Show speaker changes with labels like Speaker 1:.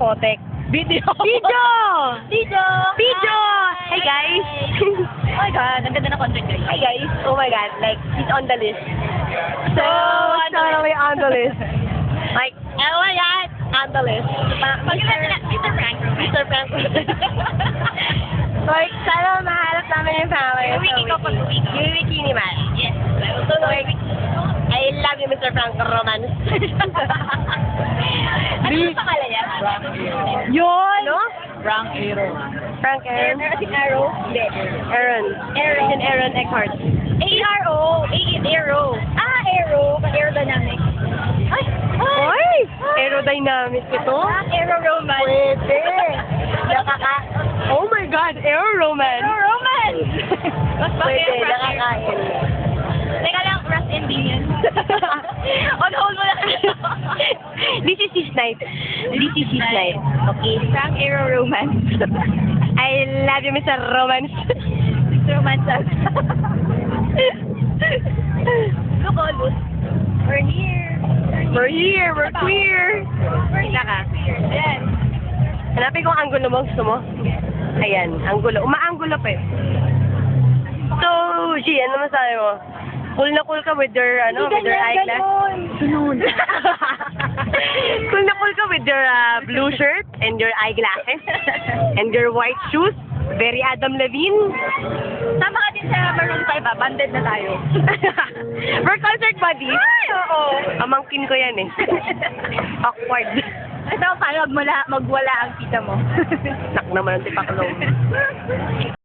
Speaker 1: Potek.
Speaker 2: Video!
Speaker 1: Video!
Speaker 2: Video!
Speaker 1: Video! Hey guys!
Speaker 2: Oh my God, ang ganda na content guys.
Speaker 1: Hi guys! Oh my god, like, he's on the list. So, totally on the list. Like, oh my god, on the list.
Speaker 2: Mr. Frank.
Speaker 1: Mr. Frank. Like, sana mahalap namin yung family.
Speaker 2: Wiki ko pag uwi ko.
Speaker 1: Yung wiki ni Matt.
Speaker 2: Yes.
Speaker 1: So, like, I love you, Mr. Frank Romance.
Speaker 2: Ano yung pangalan niya?
Speaker 1: Yun! No?
Speaker 2: Frank Aero.
Speaker 1: Frank Aaron.
Speaker 2: Meron Arrow? Hindi.
Speaker 1: Aaron.
Speaker 2: Aaron.
Speaker 1: Yun, Aaron Eckhart.
Speaker 2: A-R-O. Aero. Ah, Aero. Aerodynamic. Ay!
Speaker 1: Oy! Aerodynamic ito?
Speaker 2: Aero Roman.
Speaker 1: Pwede. Oh my God, Aero Roman.
Speaker 2: Aero Roman! Mas
Speaker 1: Pwede,
Speaker 2: Aero Frank.
Speaker 1: nakakain.
Speaker 2: Teka lang, Rust and Bean. On hold mo lang.
Speaker 1: This is his night. This is his night. Okay.
Speaker 2: Frank Aero Roman.
Speaker 1: I love you, Mr. Romance.
Speaker 2: Romances. Look, almost. We're here.
Speaker 1: We're here, we're queer.
Speaker 2: We're
Speaker 1: Kita ka.
Speaker 2: here. Yes.
Speaker 1: Hanapin ko ang angulo mo. Gusto mo? Ayan, angulo. Umaanggulo pa eh. So, G, ano masabi mo? Cool na cool ka with your, with your eyeglass?
Speaker 2: Sunod.
Speaker 1: Cool na cool ka with your blue shirt and your eyeglasses and your white shoes. Very Adam Levine.
Speaker 2: Sama ka din sa Maroon 5 ah. Banded na tayo.
Speaker 1: We're concert buddies.
Speaker 2: Ay, oo.
Speaker 1: Amangkin ko yan eh. Awkward.
Speaker 2: Ito, paano magwala ang kita mo?
Speaker 1: Nak naman ang tipaklong.